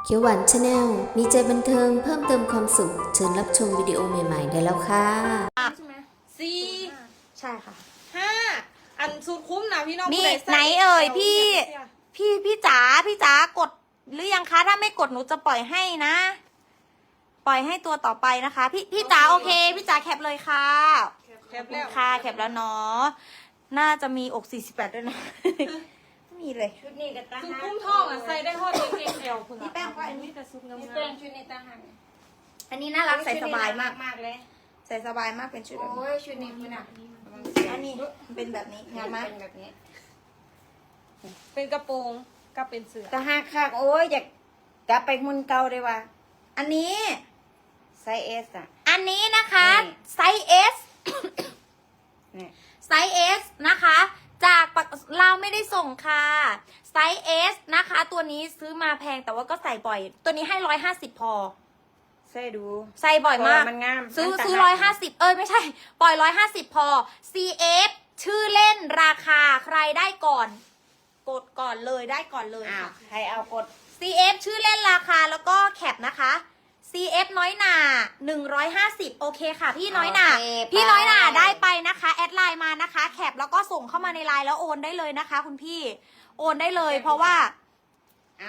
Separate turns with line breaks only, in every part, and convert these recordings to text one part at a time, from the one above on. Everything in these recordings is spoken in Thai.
เขียวหวานชาแนลมีใจบันเทิงเพิ่มเติมความสุขเชิญรับชมวิดีโอใหม่ๆได้แล้วค่ะ
ใช่ไหมสี่
ใช่ค่ะ
ห้าอันสุดคุ้มนะพี่น้อง
มี
ผู้ใดใส่
ไหนเอ่ย
แถว
พี่
เนี่ย
พี่จ๋ากดหรือยังคะถ้าไม่กดหนูจะปล่อยให้นะ ปล่อยให้ตัวต่อไปนะคะ พี่จ๋าโอเค พี่จ๋าแคปเลยค่ะ
แคปแล้ว
ค่ะแคปแล้วเนาะน่าจะมีอก48ด้วยนะ ไม่มีเลย
ชุดนี้กับตา
สุด
หัก
คุ้มทองอ่ะใส่ได้ฮอดเอ็กเอลคุณ
พี่แป้งก็อันนี้
แต่ซุปงาม
นี่แป้งชุดนี้ตาหัก
อันนี้น่ารักใส่สบายมาก
มากเลย
ใส่สบายมากเป็นชุดแบบ
โอ้
นี้
ยชุดนี้คุณอ่ะ
อันนี้เป็นแบบนี้งามไหม
เป็นแบบนี้
เป็นกระโปรงกับเป็นเสื้อ
ตาหักคักโอ้ยอยากกลับไปหุ่นเก่าเลยว่ะ
อันนี้
ไซส์เอสอ่ะ
อันนี้นะคะ
นี่
ไซส์ S
นี่
ไซส์ S นะคะ จากเราไม่ได้ส่งค่ะไซส์ S นะคะ ตัวนี้ซื้อมาแพงแต่ว่าก็ใส่บ่อย ตัวนี้ให้150พอ
ใส่ดู
ใส่บ่อยมาก
เพราะว่ามันงาม
ซื้อ
มันต่าง
ซื้อ
หาก
150ไม่ใช่ ปล่อย150พอ CF ชื่อเล่นราคาใครได้ก่อน กดก่อนเลยได้ก่อนเลย
อ้าว
ค่ะ
ใครเอากด
CF ชื่อเล่นราคาแล้วก็แคปนะคะ CF น้อยหนา150โอเคค่ะ พี่น้อยหนา
โอเค
พี่น้อยหนาได้ไปนะคะแอดไลน์มานะคะ แคปแล้วก็ส่งเข้ามาในไลน์แล้วโอนได้เลยนะคะ คุณพี่โอนได้เลยเพราะว่า
เอา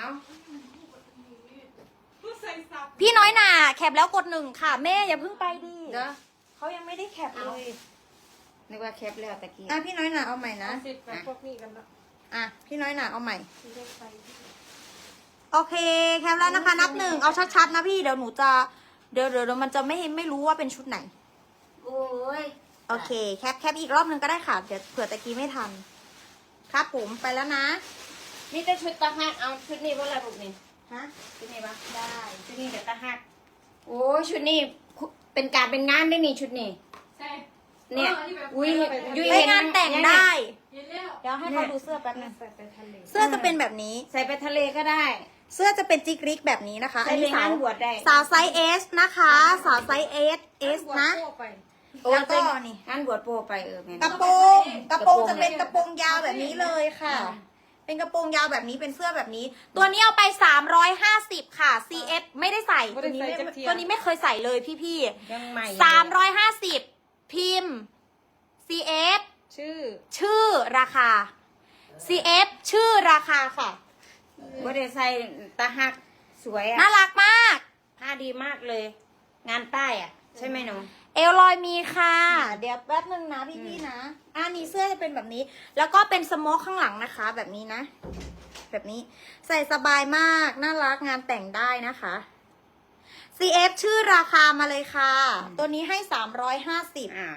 ผู้ใส่ซับ
พี่น้อยหนาแคปแล้วกด1ค่ะแม่อย่าเพิ่งไปดิ
เด้อ
เขายังไม่ได้แคปเลย
นึกว่าแคปแล้วตะกี้
อ่ะพี่น้อยหนาเอาใหม่นะ
สิบแบบพวกนี้กันละ
อ่ะพี่น้อยหนาเอาใหม่
ที่ได้ใส่
โอเคแคปแล้วนะคะนับ1เอาชัดๆนะพี่เดี๋ยวหนูจะเดี๋ยวมันจะไม่รู้ว่าเป็นชุดไหน
โอ้ย
โอเคแคปอีกรอบนึงก็ได้ค่ะเดี๋ยวเผื่อตะกี้ไม่ทันครับผมไปแล้วนะ
นี่แต่ชุดตาหักเอาชุดนี้ว่าอะไรพวกนี้
ฮะ
ชุดนี้ปะ
ได้
ชุดนี้กับตาหักโอ้ยชุดนี้เป็นการเป็นงานได้นี่ชุดนี้
ใช่
เนี่ย อุ้ย
ยุ้
ย
ไปงานแต่งได้
เย็นแล้ว
เดี๋ยวให้เขาดูเสื้อแป๊บนึง
ใส่ไปทะเล
เสื้อจะเป็นแบบนี้
ใส่ไปทะเลก็ได้
เสื้อจะเป็นจิกริกแบบนี้นะคะ
ใส่ไปงานบวชได้
สาวไซส์ S นะคะ สาวไซส์ S นะ
ทั่วไป
แล้วก็นี่
งานบวชโปรไปแม่
กระโปรงจะเป็นกระโปรงยาวแบบนี้เลยค่ะ เป็นกระโปรงยาวแบบนี้เป็นเสื้อแบบนี้ ตัวนี้เอาไป350ค่ะ CF ไม่ได้ใส่ตัวนี้ไม่เคยใส่เลยพี่
ยังใหม่
350พิมพ์ CF
ชื่อ
ชื่อราคา CF ชื่อราคาค่ะ
ว่าได้ใส่ตาหักสวยอ่ะ
น่ารักมาก
ผ้าดีมากเลย งานใต้อ่ะ ใช่ไหมหนู
เอลลอยมีค่ะ เดี๋ยวแป๊บนึงนะพี่ๆนะนี่เสื้อจะเป็นแบบนี้ แล้วก็เป็นสโมกข้างหลังนะคะ แบบนี้นะ แบบนี้ใส่สบายมาก น่ารักงานแต่งได้นะคะ CF ชื่อราคามาเลยค่ะ ตัวนี้ให้350
อ่า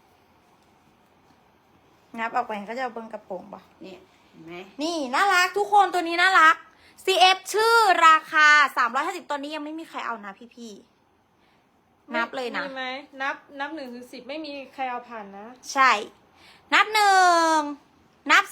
งับออกไปก็จะเอาเบิ้งกระโปรงป่ะ
เนี่ยเห็นไหม
นี่น่ารักทุกคนตัวนี้น่ารัก CF ชื่อราคา350ตัวนี้ยังไม่มีใครเอานะพี่ๆนับเลยนะ
มีไหมนับ1 ถึง 10ไม่มีใครเอาผ่านนะ
ใช่ นับ1นับ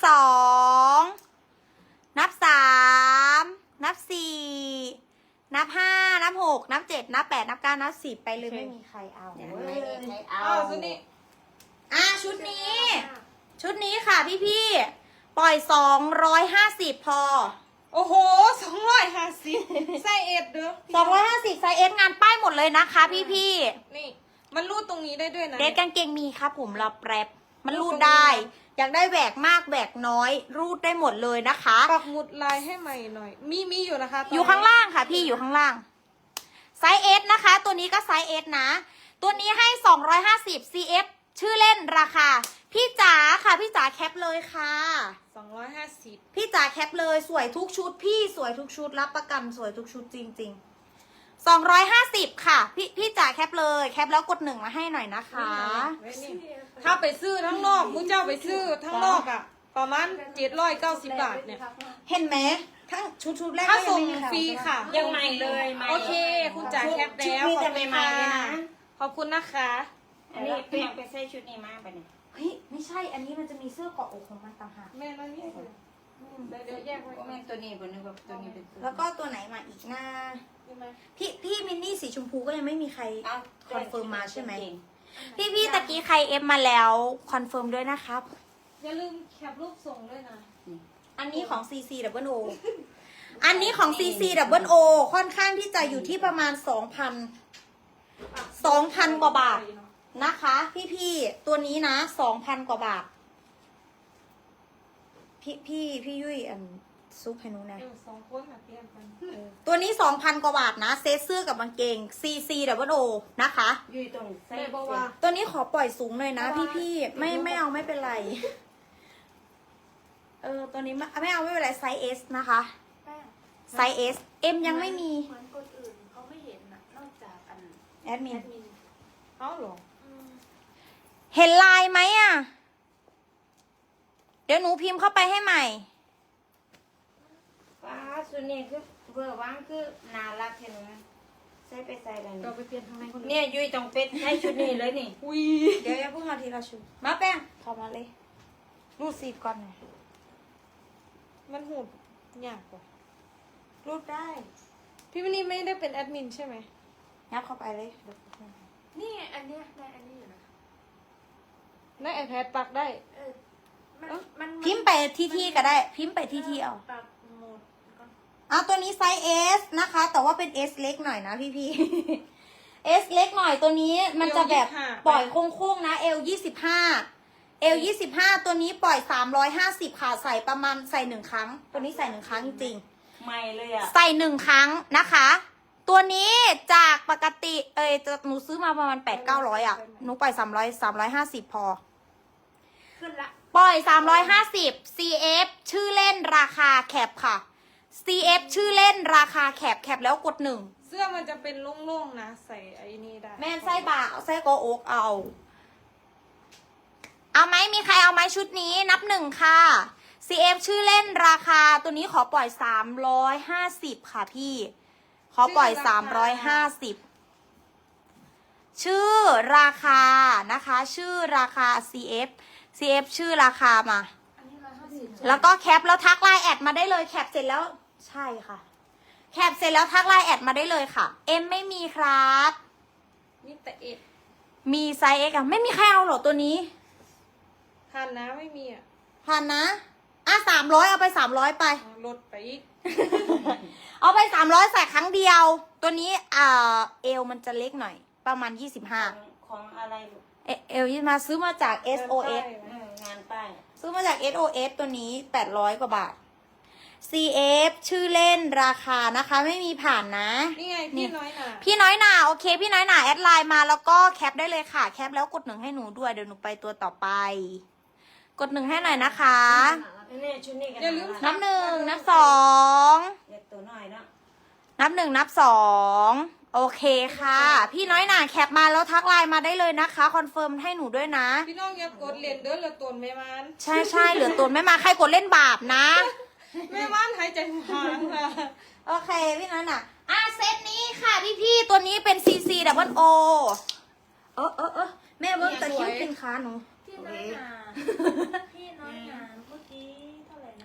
2นับ3นับ4นับ5นับ6นับ7นับ8นับ9นับ10ไปเลย
โอเค
Dạ,
ไม่มีใครเอา
ยังไม่มีใครเอา
อ้าวสุดนี้
ชุดนี้ ชุดนี้ค่ะพี่ๆปล่อย250พอ
โอ้โห250ใส่เอ็ดเด้อ
250ไซส์ S งานป้ายหมดเลยนะคะพี่
นี่ มันรูดตรงนี้ได้ด้วยนะ
ๆเดทกางเกงมีครับผมรับแรปมันรูดได้ อยากได้แหวกมากแหวกน้อย รูดได้หมดเลยนะคะ
ปักหมุดลายให้ใหม่หน่อย มีอยู่นะคะตนนี้
อยู่ข้างล่างค่ะพี่อยู่ข้างล่างไซส์ S นะคะ ตัวนี้ก็ไซส์ S นะ ตัวนี้ให้250 CF ชื่อเล่นราคา พี่จ๋าค่ะพี่จ๋าแคปเลยค่ะ
250
พี่จ๋าแคปเลยสวยทุกชุด พี่สวยทุกชุดรับประกันสวยทุกชุดจริงๆ250ค่ะพี่จ๋าแคปเลยแคปแล้วกด1มาให้หน่อยนะคะ
ถ้าไปซื้อทั้งนอกผู้เจ้าไปซื้อทั้งนอกอ่ะ ประมาณ790 บาทเนี่ย
เห็นไหมทั้งชุดแรก
ถ้า
ก็ยั
ส่ง
ไม่มีใคร
ฟรีค่ะ
ยังใหม่เลยใหม่
โอเค คุณจ๋าแคปแล้ว
ชุดนี้
ขอบ
จะ
คุณ
ใหม่ๆเลย
ค่ะ
นะ
ขอบคุณนะคะ
อันนี้เปลี่ยนไปใส่ชุดนี้มากไปเนี่ย
เฮ้ยไม่ใช่อันนี้มันจะมีเสื้อเกาะอกของมันต่างหาก
แม่มานี่เดี๋ยวแยกไว้
ก็แม่นตัวนี้บนนึกว่าตัวนี้เป็นตัว
แล้วก็ตัวไหนมาอีกหน้า
ใช่ไหม
พี่มินนี่สีชมพูก็ยังไม่มีใคร
เอา
คอนเฟิร์มมาใช่ไหม
เก่ง
พี่ตะกี้ใครเอฟมาแล้วคอนเฟิร์มด้วยนะครับ
อย่าลืมแคปรูปส่งด้วยนะ
อันนี้ของ CC O อันนี้ของ CC Double O ค่อนข้างที่จะอยู่ที่ประมาณ 2,000 กว่าบาทนะคะ พี่ตัวนี้นะ 2,000 กว่าบาท พี่ยุ้ยซุปให้หนูหนะ
สองคนอ่ะเตรียมกัน
ตัวนี้ 2,000 กว่าบาทนะ เซตเสื้อกับกางเกง CC Double O นะคะ
อยู่ตรงไส้
แม่บอกว่า
ตัวนี้ขอปล่อยสูงหน่อยนะพี่ไม่เอาไม่เป็นไร ตัวนี้ไม่เอาไม่เป็นไรไซส์ S นะคะ ไซส์ S M ยังไม่มี
เหมือนคนอื่นเขาไม่เห็นน่ะนอกจากอัน
แอดมิน
เอ้าเหรอ
เห็นลายไหมอ่ะ เดี๋ยวหนูพิมพ์เข้าไปให้ใหม่
ว้าชุดนี้คือเบอร์ว่างคือน่ารักเห็นไหมใส่ไปใส่อะไร
เราไปเปลี่ยนทางไหนคน
เนี่ยยุ้ยต้องเป็นใส่ชุดนี้เลยนี่
อุ้ย
เดี๋ยวอย่าเพิ่งเอาทีละชุดมาแป้งเข้ามาเลย รูดซีบก่อนหน่อย
มันหูดยากกว่า
รูดได้
พี่วินนี่ไม่ได้เป็นแอดมินใช่ไหม
งับเข้าไปเลย
นี่ไงอันเนี้ยได้อันนี้อยู่นะ
ได้ iPad ปักได้
เออมัน
พิมพ์ไปที่ก็ได้ พิมพ์ไปที่เอา
ปรับโหมดก่อน
เอาตัวนี้ไซส์ S นะคะ แต่ว่าเป็น S เล็กหน่อยนะพี่ S เล็กหน่อยตัวนี้มันจะแบบ
25
ปล่อยโค้งๆนะ L 25 L 25ตัวนี้ปล่อย350ค่ะใส่ประมาณใส่1ครั้ง ตัวนี้ใส่1ครั้งจริงๆ
ใหม่เลยอ่ะ
ใส่1ครั้งนะคะ ตัวนี้จากปกติหนูซื้อมาประมาณ8-900อ่ะหนูปล่อย350พอ
ขึ้นละ
ปล่อย350 CF ชื่อเล่นราคาแคปค่ะ CF ชื่อเล่นราคาแคปแล้วกด1
เสื้อมันจะเป็นโล่งๆนะ ใส่ไอ้นี่ได้
แม่นไส้บ่าไส้โกโอกเอาไหมมีใครเอาไหมชุดนี้นับ1ค่ะ CF ชื่อเล่นราคาตัวนี้ขอปล่อย350ค่ะพี่ ขอปล่อย350ชื่อราคานะคะ ชื่อราคา CF ชื่อราคามา
อันนี้150
แล้วก็แคปแล้วทักไลน์แอดมาได้เลยแคปเสร็จแล้วใช่ค่ะ แคปเสร็จแล้วทักไลน์แอดมาได้เลยค่ะ M ไม่มีครับ
นี่แต่เอ็ด
มีไซส์ X อะไม่มีใครเอาหรอตัวนี้
พันนะไม่มีอ่ะ
พันนะ300เอาไป300ไป
ลดไปอีก
เอาไป300ใส่ครั้งเดียว ตัวนี้เอวมันจะเล็กหน่อย ประมาณ
ของอะไรลูก
25เอวยี่มาซื้อมาจาก SOS
งานป้าย
ซื้อมาจาก SOS ตัวนี้800กว่าบาท CF ชื่อเล่นราคานะคะไม่มีผ่านนะ
นี่ไงพี่น้อยหน่ะ
พี่น้อยหนาโอเค พี่น้อยหนาแอดไลน์มาแล้วก็แคปได้เลยค่ะ แคปแล้วกด1ให้หนูด้วยเดี๋ยวหนูไปตัวต่อไป กด1ให้หน่อยนะคะ
นี่ชุดนี้กัน
อย่าลืม
นับ1นับ2
เด็กตัวน้อยเนาะ
นับ1นับ2โอเคค่ะ พี่น้อยหนาแคปมาแล้วทักไลน์มาได้เลยนะคะคอนเฟิร์มให้หนูด้วยนะ
พี่น้องอย่ากดเหรียญเด้อเหลือตนแม่มัน
ใช่เหลือตัวไม่มาใครกดเล่นบาปนะ
แม่มันหายใจหางค่ะ
โอเคพี่น้อยหนาเซตนี้ค่ะพี่ตัวนี้เป็น CC Double O แม่เบิ้งตะคริวกินขาหนู
พี่น้อยหนาพี่น้อยหนาเมื่อกี้เท่าไหร่นะ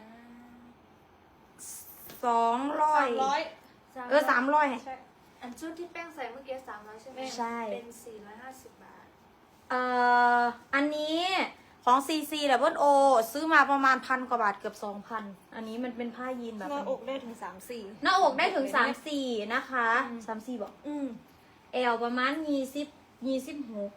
200
300
300
ใช่
อันชุดที่แป้งใส่เมื่อกี้300ใช่ไหม
ใช่
เป็น450 บาท
อันนี้ของ CC Double O ซื้อมาประมาณ1,000 กว่าบาทเกือบ 2,000 อันนี้มันเป็นผ้ายีนแบบ
หน้าอกได้ถึง3-4
หน้าอกได้ถึง 34 นะคะ34บอกเอวประมาณ26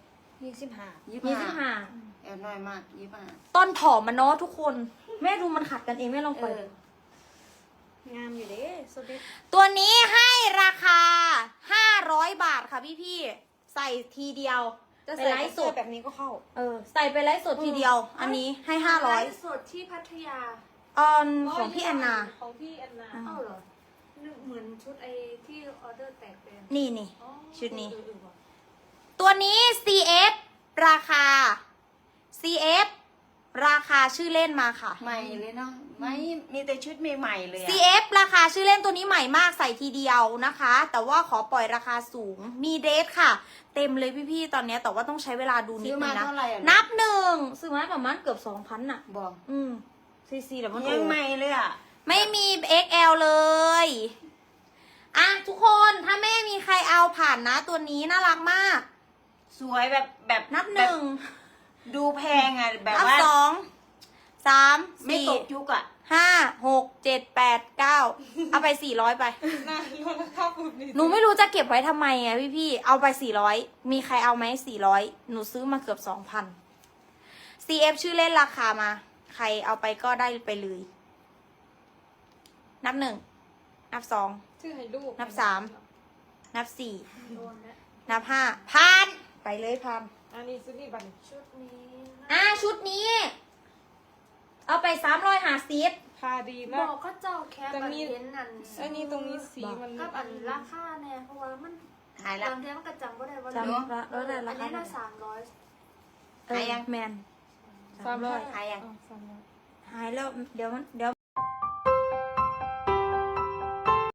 25
แอบน้อยมาก
ต้นผอมมันเนาะทุกคน แม่ดูมันขัดกันเองแม่ลองเปิด
งามอยู่เด้สุดดิ
ตัวนี้ให้ราคา 500 บาทค่ะพี่ๆใส่ทีเดียว
จะ
ไป
ใส่
ไลฟ์สด
แบบนี้ก็เข้า
ใส่ไปไลฟ์สดทีเดียว อันนี้ให้
ไลฟ์สดที่พัทยา
500ของพี่แอนนา
ของพี่แอนนา
เอ้าเหรอนึกเหมือนชุดไอ้ที่ออเดอร์แตกเป็น
นี่
อ๋อ
ชุดนี้
เออว่ะ
ตัวนี้ CF ราคา CF ราคาชื่อเล่นมาค่ะ
ใหม่เลยเนาะไม่มีแต่ชุดใหม่ๆเลยอะ
CF ราคาชื่อเล่นตัวนี้ใหม่มากใส่ทีเดียวนะคะ แต่ว่าขอปล่อยราคาสูงมีเดทค่ะ เต็มเลยพี่ๆตอนนี้แต่ว่าต้องใช้เวลาดูนิ
ซื้
ด
อ
นึ
มาง
นะ
เท่าไหร่อะ
นับ1ซื้อมาประมาณเกือบ 2,000น่ะ
บอก
CC แต่มัน
ยังใหม่เลยอ่ะ
ไม่มี XL เลยทุกคนถ้าแม่มีใครเอาผ่านนะตัวนี้น่ารักมาก
สวยแบบ
นับ
แบบดูแพงอ่ะแบบ
นับ
ว่า
2 3
ไม่ตก
4
ยุคอ่ะ
5 6 7 8 9เอาไป400ไป
น่าลดราคาปุ๊บนี่
หนูไม่รู้จะเก็บไว้ทำไมอ่ะพี่เอาไป400มีใครเอาไหม400หนูซื้อมาเกือบ2,000 CF ชื่อเล่นราคามา ใครเอาไปก็ได้ไปเลย นับ1นับ2
ชื่อให้ลูก
นับ3 นับ4
โดนแล้ว
นับ5พันไปเลยพัน
อันนี้ซื้อนี่บัตร
ชุดนี้นะ
ชุดนี้ เอาไป350
พาดี
บ
มาก
อกก็เจ้าแคป
จะ
อัน
มี
เห็นอัน
ไอ้นี่ตรงนี้สีมัน
กับอันราคาเนี่ยเพราะว่ามัน
หายแล้ว
บางทีมันก็จำก็ได้ว่า
จำละแล้วแต่รา
อัน
คา
นี้น่า300
หายยังแมน
300
หายยัง
300
หายแล้วเดี๋ยว